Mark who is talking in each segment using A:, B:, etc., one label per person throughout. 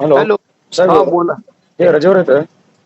A: Hello
B: hello.
A: साहेब,
B: हा बोला.
A: हे रजेवर येतं.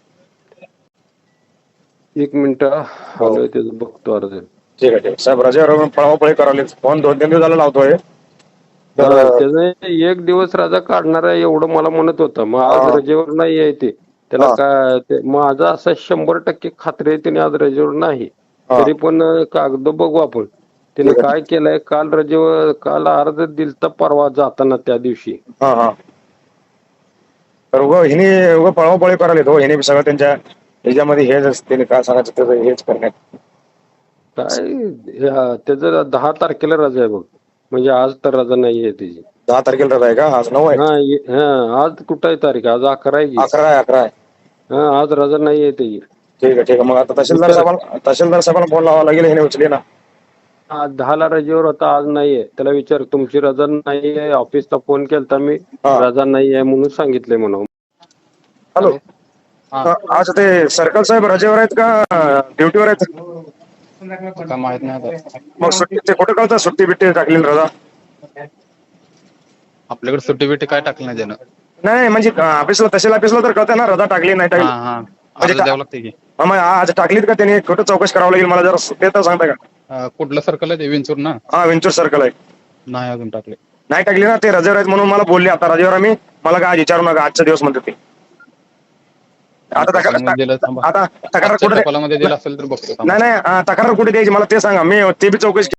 B: एक मिनिट
A: हो
B: आलोय त्याचं बघतो अर्ज.
A: ठीक आहे साहेब, रजेवर पळापळी करावली. फोन 2-3 दिवस झाला लावतोय. तर
B: हा त्याचं एक दिवस रजा काढणार आहे एवढं मला म्हणत होतं. मग आज
A: हा
B: रजेवर नाही आहे ते. त्याला
A: हा
B: काय माझं असं 100% खात्री आहे त्याने आज रजेवर नाही.
A: हा
B: तरी पण कागद बघू आपण. त्याने
A: ठीक आहे.
B: काय केलंय, काल रजेवर काल अर्ज दिलता परवा जाताना त्या दिवशी.
A: हा हा तर हिने पळापळी करायला हो. हिने सगळं त्यांच्या ह्याच्यामध्ये हेच असते. काय सांगायचं त्याचं हेच करण्यात.
B: काय त्याचं 10 तारखेला रजा आहे बघ. म्हणजे आज तर रजा नाहीये त्याची.
A: 10 तारखेला रजा आहे का? आज 9 आहे.
B: हा आज कुठं आहे तारीख? आज 11 आहे की.
A: 11 आहे.
B: हा आज रजा नाहीये त्याची.
A: ठीक आहे. मग आता तहसीलदार
B: विचार
A: साहेबांना फोन लावावा लागेल. हिने उचली ना.
B: आज 10ला रजेवर होता, आज नाहीये. त्याला विचार तुमची रजा नाहीये. ऑफिसला फोन केलता मी,
A: हा
B: रजा नाहीये म्हणून सांगितलंय म्हणून.
A: हॅलो.
C: हा
A: आज ते सर्कल साहेब रजेवर आहेत का ड्युटीवर आहेत?
C: काय माहित नाही आता.
A: मग सुट्टी ते कुठं कळतं? सुट्टी बिट्टी टाकलेली रजा?
C: आपल्याकडे सुट्टी बिट्टी काय टाकली नाही त्यानं.
A: नाही म्हणजे ऑफिसला तहसील ऑफिसला तर कळतं ना रजा टाकली नाही टाकली.
C: हा हा
A: म्हणजे
C: अर्ज द्यावं लागते की.
A: मग आज टाकलीत का त्यांनी? कुठं चौकशी करावं लागेल मला जरा ते तर सांगता का?
C: कुठलं सर्कल आहे ते विंचूर ना?
A: हा विंचूर सर्कल आहे.
C: नाही अजून टाकले.
A: नाही टाकली ना. ते रजेवर आहेत म्हणून मला बोलले. आता रजेवर आम्ही मला काय आज विचारू नका, आजचा दिवस म्हणते ते. आता
C: टपालामध्ये दिलं थांबा.
A: आता तक्रार
C: आजच्या
A: कुठे?
C: टपालामध्ये दिलं असेल तर बघतो थांबा.
A: नाही तक्रार कुठे द्यायची मला ते सांगा. मी ते बी चौकशी